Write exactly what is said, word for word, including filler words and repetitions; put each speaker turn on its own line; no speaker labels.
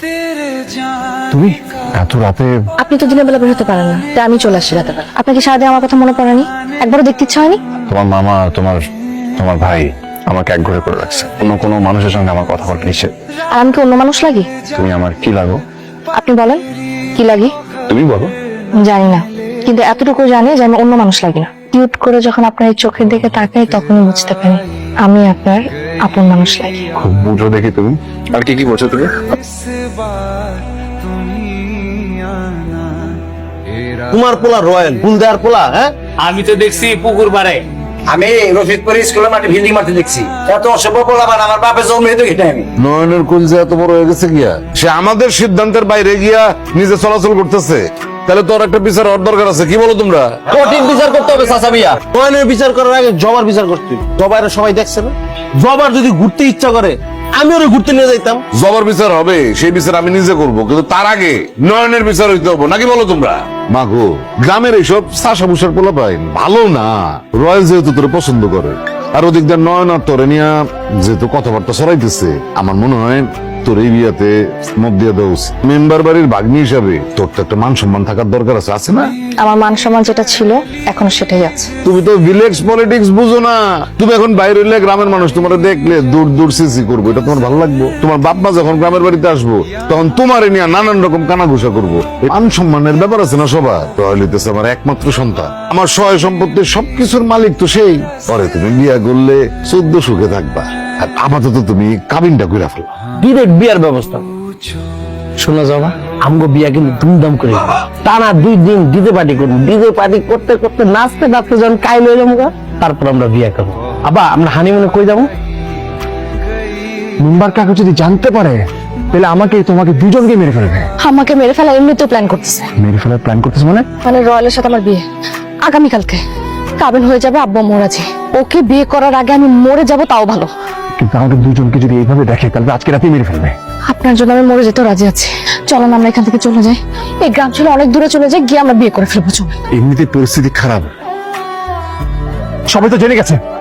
তুমি এত রাতে?
আপনি তো দিনের বেলা বের হতে পারেন না, তাই আমি চলে আসি রাতে বেলা। আপনাকে সারাদিন আমার কথা মনে পড়েনি? একবারও দেখতে ইচ্ছা হয়নি?
তোমার মামা, তোমার তোমার ভাই আমাকে এক ঘরে করে রাখছে। অন্য কোনো মানুষের সঙ্গে আমার কথা বলতে নিষেধ।
আর আমি কি অন্য মানুষ লাগি?
তুমি আমার কি লাগো?
আপনি বলেন কি লাগি?
তুমি বলো।
জানি না, কিন্তু এতটুকু জানি যে আমি অন্য মানুষ লাগি না। কিউট করে যখন আপনার এই চোখের দিকে তাকাই তখনই বুঝতে পারি আমি আপনার আপন মানুষ লাগি।
খুব বুঝো দেখি তুমি। আর কি কি বলছো তুমি?
তোমার পোলা রয়্যাল বুলদার পোলা। হ্যাঁ,
আমি তো দেখছি পুকুর পাড়ে।
আমি রফিকপুর স্কুলের মাঠে ফিল্ডিং মারতে দেখছি। এত অসভ্য পোলাপান আমার বাপের জন্মে তো ঘেটে আমি।
নয়নের কুঞ্জে এত বড় হয়ে গেছে গিয়া, সে আমাদের সিদ্ধান্তের বাইরে গিয়া নিজে চলাচল করতেছে। তাহলে তোর একটা বিচার হওয়ার দরকার আছে, কি বলো তোমরা?
কঠিন বিচার করতে হবে চাচা মিয়া। নয়নের বিচার করার আগে জবার বিচার করতে হবে। জবার সবাই দেখছে না, জবার যদি ঘুরতে ইচ্ছা করে আমি ওরে ঘুরতে নিয়ে যাইতাম।
জবর বিচার হবে, সেই বিচার আমি নিজে করব, কিন্তু তার আগে নয়নের বিচার হইতে হবে, নাকি বলো তোমরা? মাগো, গ্রামের এইসব চাষা ভুষার পোলা পাই ভালো না। রয়্যাল যেহেতু তোরে পছন্দ করে, আর ওদিক দিয়ে নয়ন আর তোরে নিয়ে যেহেতু কথাবার্তা ছড়াইতেছে, আমার মনে হয় তোর এই বিয়াতে মত দিয়ে দেওয়া উচিত। মেম্বার বাড়ির ভাগ্নি হিসাবে তোর তো একটা মান সম্মান থাকার দরকার আছে, আছে না?
আমার মান সম্মান যেটা ছিল এখনো সেটাই আছে।
তুমি তো ভিলেজ পলিটিক্স বুঝো না। তুমি এখন বাইরে হইলে গ্রামের মানুষ তোমার দেখলে দূর দূর সিসি করবো, এটা তোমার ভালো লাগবে? তোমার বাপ মা যখন গ্রামের বাড়িতে আসবো তখন তোমার নিয়ে নানান রকম কানাঘুষা করবো। এই মান সম্মানের ব্যাপার আছে না সবার। রয়্যাল হইতেছে আমার একমাত্র সন্তান, আমার সহায় সম্পত্তির সবকিছুর মালিক তো সেই। পরে তুমি বিয়া করলে চোদ্দ সুখে থাকবা, আর আপাতত তুমি কাবিনটা কইরা ফেলো।
ডিরেক্ট বিয়ার ব্যবস্থা। শোনা যাওয়া আমগো বিয়া কিন্তু ধুমধাম করে টানা দুই দিন ডিজে পার্টি করবো। ডিজে পার্টি করতে করতে নাচতে নাচতে যখন কাইল হইলাম গা, তারপর আমরা বিয়া করবো। আবা আমরা হানিমুনে কই যাবো?
মেম্বার কাকা যদি জানতে পারে তাহলে আমাকে তোমাকে দুজনকে মেরে ফেলবে।
আমাকে মেরে ফেলা এমনিতেও প্ল্যান করতেছে।
মেরে ফেলার প্ল্যান করতেছে মানে?
মানে রয়্যালের সাথে আমার বিয়ে আগামীকালকে। কাবিন হয়ে যাবে আব্বা মোরাজি। ওকে বিয়ে করার আগে আমি মরে যাব তাও ভালো।
কিন্তু আমাদের দুজনকে যদি এইভাবে দেখে তাহলে আজকে রাতেই মেরে ফেলবে।
আপনার জন্য আমি মরে যেতেও রাজি আছি। চলেন আমরা এখান থেকে চলে যাই। এই গ্রাম ছিল অনেক দূরে চলে যাই, গিয়ে আমরা বিয়ে করে ফেলবো। চলুন।
এমনিতে পরিস্থিতি খারাপ, সবাই তো জেনে গেছে।